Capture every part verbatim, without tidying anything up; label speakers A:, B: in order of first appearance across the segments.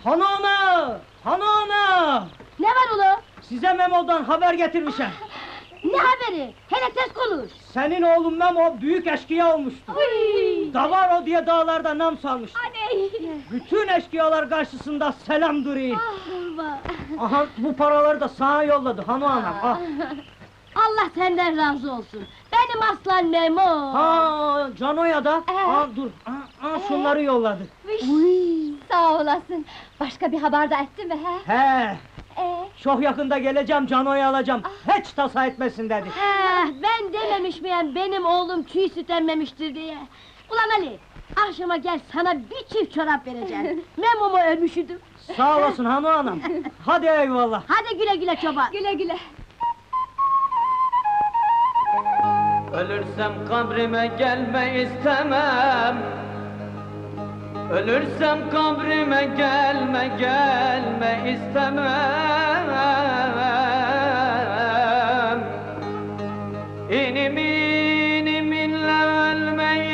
A: Hanım! Hanım!
B: Ne var ulu?
A: Size Memo'dan haber getirmişim.
B: Ne haberi? Hele tez konuş!
A: Senin oğlun Memo büyük eşkıya olmuştu.
B: Uy!
A: Davaro diye dağlarda nam salmıştı.
B: Aney!
A: Bütün eşkıyalar karşısında selam duruyor.
B: Ah,
A: Aha bu paraları da sana yolladı hanım anam. Ah.
B: Allah senden razı olsun! Benim aslan Memo!
A: Ha Cano'ya da.
B: Ee?
A: Ha dur. Ha, ha, şunları yolladı.
B: Uy! Sağ olasın! Başka bir haber de etti mi he?
A: He.
B: Ee?
A: Çok yakında geleceğim Cano'yu alacağım. Hiç tasa etmesin dedi.
B: He, ben dememiş miyim benim oğlum çiğ süt emmemiştir diye? Ulan Ali! Akşama gel sana bir çift çorap vereceğim. Memo'mu ölmüşüdüm.
A: Sağ olasın hanım anam. Hadi eyvallah.
B: Hadi güle güle çoban! Güle güle!
C: Ölürsem kabrime gelme istemem. Ölürsem kabrime gelme gelme istemem. İnim inim inle ölme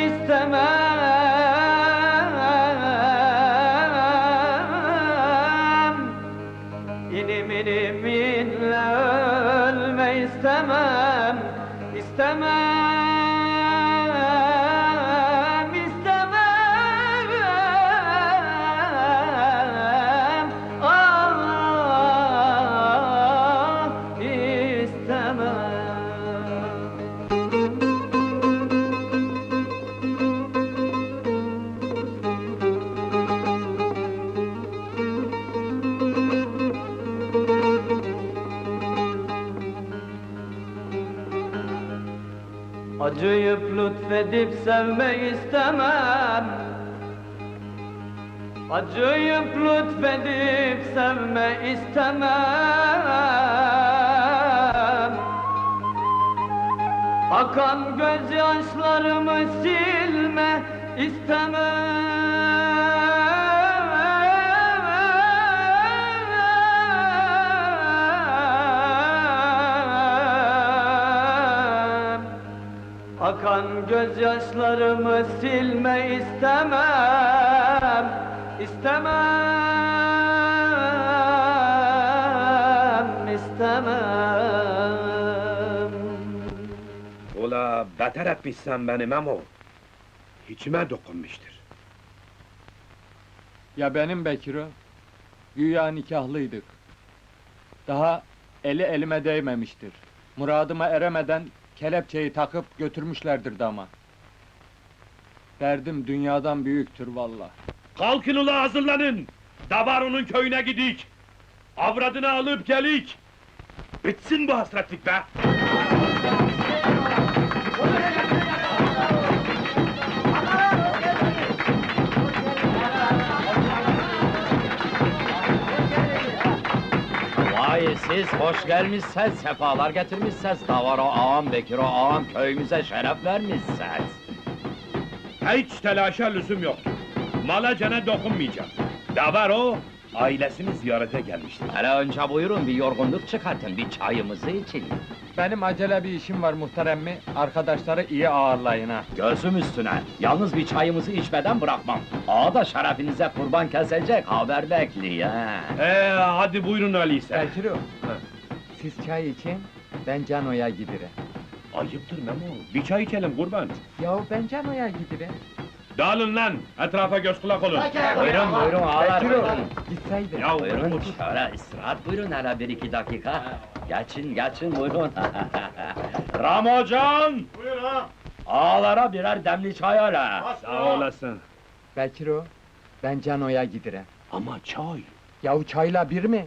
C: istemem. İnim inim inle ölme istemem. İstemem, istemem, ah, istemem. Acıyıp lütfedip sevme istemem. Acıyıp lütfedip sevme istemem. Akan gözyaşlarımı silme istemem. Akan gözyaşlarımı silme istemem, istemem, istemem.
D: Ula beter etmişsen beni Memo. İçime dokunmuştur.
E: Ya benim Bekir'o? Güya nikahlıydık. Daha eli elime değmemiştir. Muradıma eremeden kelepçeyi takıp götürmüşlerdir dama. Derdim dünyadan büyüktür vallahi.
D: Kalkın ula hazırlanın! Davaro'nun köyüne gidik! Avradını alıp gelik! Bitsin bu hasretlik be!
F: Vay siz hoş gelmişsiniz, sefalar getirmişsiniz. Davaro ağam, Bekiro ağam köyümüze şeref vermişsiniz.
D: Hiç telaşa lüzum yok. Mala cana dokunmayacağım. Davaro, ailesini ziyarete gelmiştir.
F: Hele önce buyurun bir yorgunluk çıkartın, bir çayımızı için.
E: Benim acele bir işim var muhterem mi? Arkadaşları iyi ağırlayın ha.
F: Gözüm üstüne, yalnız bir çayımızı içmeden bırakmam. Ağa da şerefinize kurban kesecek, haber bekliyor ha.
D: Ee, hadi buyurun öyleyse.
E: Bekir'o, siz çay için, ben Cano'ya gidirem.
D: Ayıptır Memo, bir çay içelim kurban.
E: Yahu ben Cano'ya gidirem.
D: Dağılın lan, etrafa göz kulak olun.
F: Buyurun buyurun ağalar
E: Bekir'o,
F: buyurun.
E: gitseydin.
D: Ya
F: Buyurun
D: otur.
F: şöyle istirahat buyurun hele bir iki dakika. Geçin geçin buyurun.
D: Ramocan!
G: Buyur ha!
F: Ağalara birer demli çay hele.
D: Sağ olasın.
E: Bekir'o, ben Cano'ya gidirem.
D: Ama çay.
E: Yahu çayla bir mi?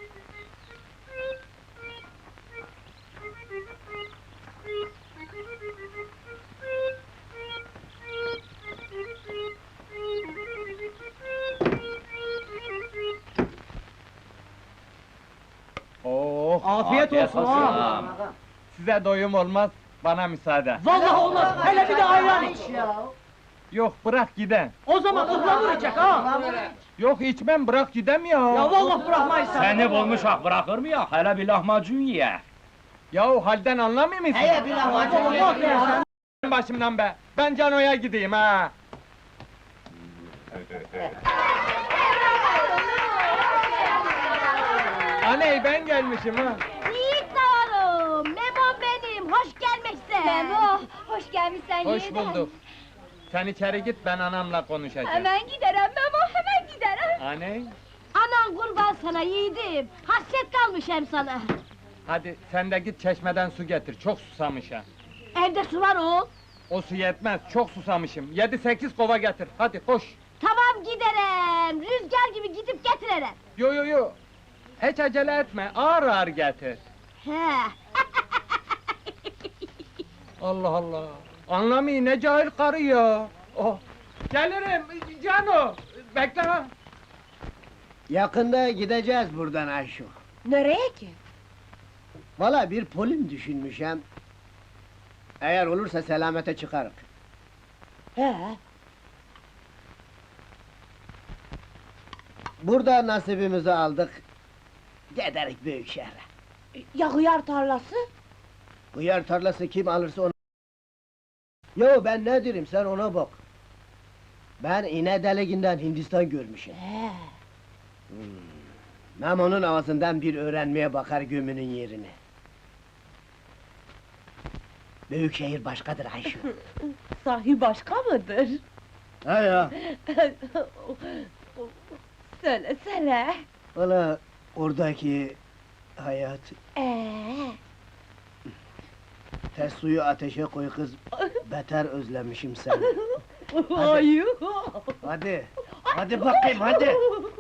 E: Oh,
A: Afiyet,
F: Afiyet
A: olsun,
F: olsun
A: ha.
F: ağam.
E: size doyum olmaz, bana müsaade.
A: Vallahi olmaz. Hele bir de ayran iç.
E: Yok, bırak giden.
A: O zaman ıhlamur içecek ha.
E: Yok içmem, bırak gidem ya.
A: Ya vallahi bırakmayız seni.
F: Seni bulmuşak bırakır mı ya? Hele bir lahmacun ye.
E: Yahu halden anlamıyor musun?
A: Heye bir lahmacun ye.
E: Başımdan be, ben Cano'ya gideyim ha. Aney ben gelmişim ha.
B: Yiğit Davarım, Memo benim, hoş gelmişsin.
G: Memo, hoş gelmişsen
E: Hoş
G: yeniden.
E: bulduk. Sen içeri git, ben anamla konuşacağım.
G: Hemen giderim Memo, hemen giderim.
E: Aney,
B: Anan kurban sana yiğidim, hasret kalmış hem sana.
E: hadi sen de git çeşmeden su getir, çok susamışım.
B: Evde su var oğul.
E: O su yetmez, çok susamışım. Yedi sekiz kova getir, hadi koş.
B: Tamam giderim, rüzgar gibi gidip getiririm.
E: Yo yo yo, hiç acele etme, ağır ağır getir.
B: He.
E: Allah Allah, anlamayın ne cahil karı ya. Oh. Gelirim, Cano, bekle ha.
H: Yakında gideceğiz buradan Ayşo.
G: Nereye ki?
H: Valla bir polim düşünmüşem. Eğer olursa selamete çıkarık.
G: He,
H: Burada nasibimizi aldık. Giderik büyük şehre.
G: ya hıyar tarlası?
H: Hıyar tarlası kim alırsa onu... Yo ben ne derim sen ona bak. Ben iğne deliğinden Hindistan görmüşüm.
G: He.
H: Memo'nun ağzından bir öğrenmeye bakar gömünün yerini. Büyük şehir başkadır Ayşo.
G: Sahi başka mıdır?
H: Ha ya,
G: Söylesene.
H: valla oradaki hayat...
G: Ee,
H: Ters suyu ateşe koy kız, beter özlemişim seni.
G: Ay.
H: Hadi, hadi bakayım hadi!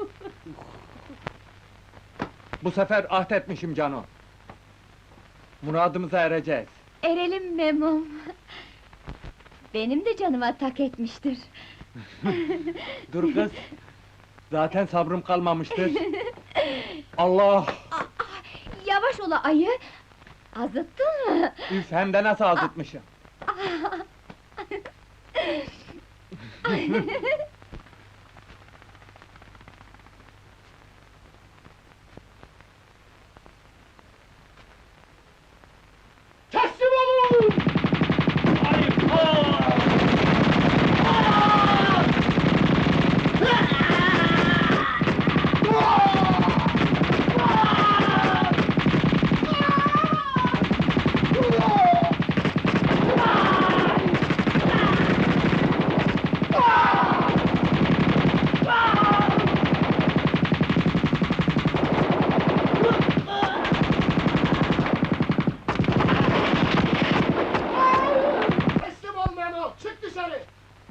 E: Bu sefer ahdetmişim Cano. Muradımıza ereceğiz.
G: Erelim Memom. Benim de canıma tak etmiştir.
E: Dur kız, zaten sabrım kalmamıştır. Allah!
G: Yavaş ola ayı! Azıttın mı?
E: Üf, hem de nasıl azıtmışım.
D: Teslim olun! Hayır! Teslim ol Memo! Çık dışarı!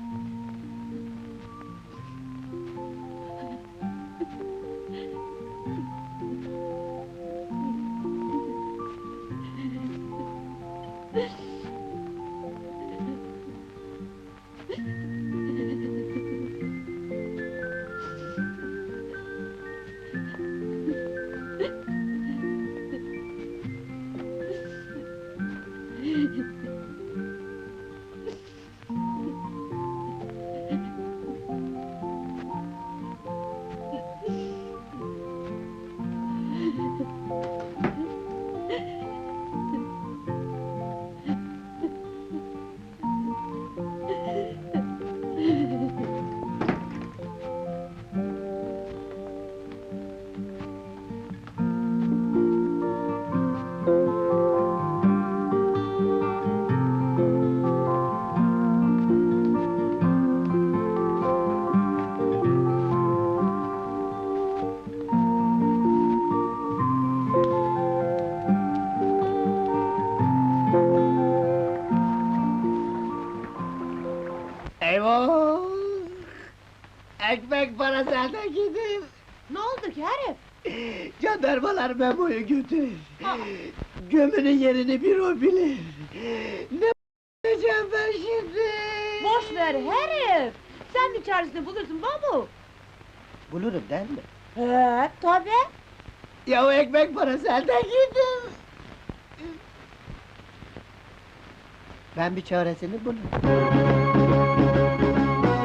H: Eyvah! Ekmek parası elde gidiyor.
G: Ne oldu ki herif?
H: Jandarmalar Memo'yu götürür. Gömünün yerini bir o bilir. Ne yapacağım ben şimdi?
G: Boş ver herif! Sen bir çaresini bulursun babu!
H: Bulurum değil mi?
G: He, tabii!
H: Ya o ekmek parası elden gidiyor. Ben bir çaresini bulurum.